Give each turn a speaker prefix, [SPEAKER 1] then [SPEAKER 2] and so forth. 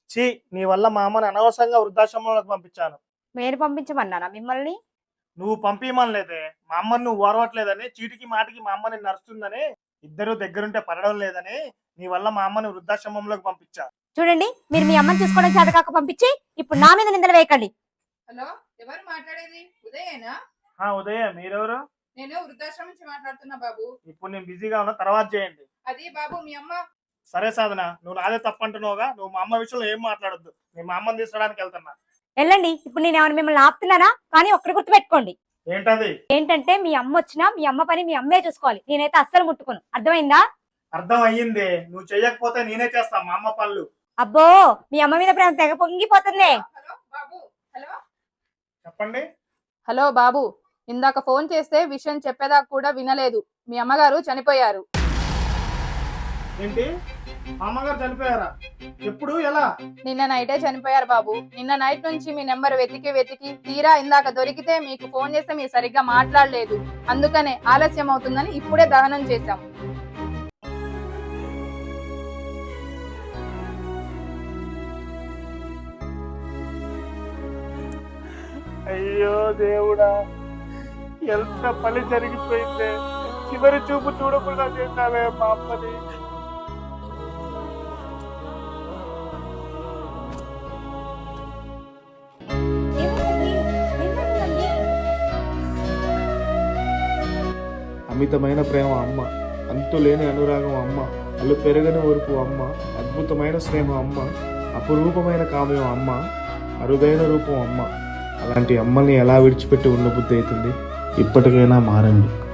[SPEAKER 1] ఛీ, నీ వల్ల మా అమ్మని అనవసరంగా వృద్ధాశ్రమంలోకి పంపించాను.
[SPEAKER 2] మీరు పంపించమన్నారా మిమ్మల్ని?
[SPEAKER 1] నువ్వు పంపించమనలేదే. మా అమ్మని నువ్వు ఓర్వట్లేదని, చీటికి మాటికి మా అమ్మని నడుస్తుందని, ఇద్దరు దగ్గరుంటే పడడం లేదని నీ వల్ల మా అమ్మని వృద్ధాశ్రమంలోకి పంపించా.
[SPEAKER 2] చూడండి, మీరు మీ అమ్మని చూసుకోవడం చేత కాక పంపించి ఇప్పుడు నా మీద నిందలు వేయకండి.
[SPEAKER 3] హలో, ఎవరు మాట్లాడేది? ఉదయేనా?
[SPEAKER 1] ఉదయ, మీరెవరు?
[SPEAKER 3] నేను వృద్ధాశ్రమం నుంచి మాట్లాడుతున్నా బాబు.
[SPEAKER 1] ఇప్పుడు నేను బిజీగా ఉన్నా, తర్వాత చేయండి.
[SPEAKER 3] అది బాబు మీ అమ్మ.
[SPEAKER 1] సరే సాధన, నువ్వు నాదే తప్పంటున్నావుగా. నువ్వు మా అమ్మ విషయంలో ఏం మాట్లాడొద్దు. నేను మా అమ్మని తీసుకోవడానికి వెళ్తున్నా.
[SPEAKER 2] వెళ్ళండి. ఇప్పుడు నేను ఏమైనా మిమ్మల్ని ఆపుతున్నానా? కానీ ఒక్కటి గుర్తు పెట్టుకోండి.
[SPEAKER 1] ఏంటది?
[SPEAKER 2] ఏంటంటే మీ అమ్మ వచ్చినా మీ అమ్మ పని మీ అమ్మే చూసుకోవాలి. నేనైతే అస్సలు ముట్టుకోను. అర్థమైందా?
[SPEAKER 1] అర్థం అయ్యింది. నువ్వు చెయ్యకపోతే నేనే చేస్తా మా అమ్మ పనులు.
[SPEAKER 2] అబ్బో, మీ అమ్మ మీద ప్రేమ తెగ పొంగిపోతుంది.
[SPEAKER 3] హలో బాబు. హలో
[SPEAKER 1] చెప్పండి.
[SPEAKER 3] హలో బాబు, ఇందాక ఫోన్ చేస్తే విషయం చెప్పేదాకా కూడా వినలేదు. మీ అమ్మగారు చనిపోయారు.
[SPEAKER 1] ఏంటి? మా అమ్మగారు చనిపోయారా? ఎప్పుడు? ఎలా?
[SPEAKER 3] నిన్న నైటే చనిపోయారు బాబు. నిన్న నైట్ నుంచి మీ నెంబర్ వెతికి తీరా ఇందాక దొరికితే మీకు ఫోన్ చేస్తే మీరు సరిగ్గా మాట్లాడలేదు. అందుకనే ఆలస్యం అవుతుందని ఇప్పుడే దహనం చేశాం.
[SPEAKER 1] అయ్యో దేవుడా, ఎంత పని జరిగిపోయిందే. చివరి చూపు చూడకుండా చేశావే మా అమ్మని.
[SPEAKER 4] అమితమైన ప్రేమ అమ్మ, అంతులేని అనురాగం అమ్మ, అల్లు పెరగని ఓర్పు అమ్మ, అద్భుతమైన స్నేహం అమ్మ, అపురూపమైన కావ్యం అమ్మ, అరుదైన రూపం అమ్మ. అలాంటి అమ్మల్ని ఎలా విడిచిపెట్టి ఉండబుద్ధి అవుతుంది? ఇప్పటికైనా మారండి.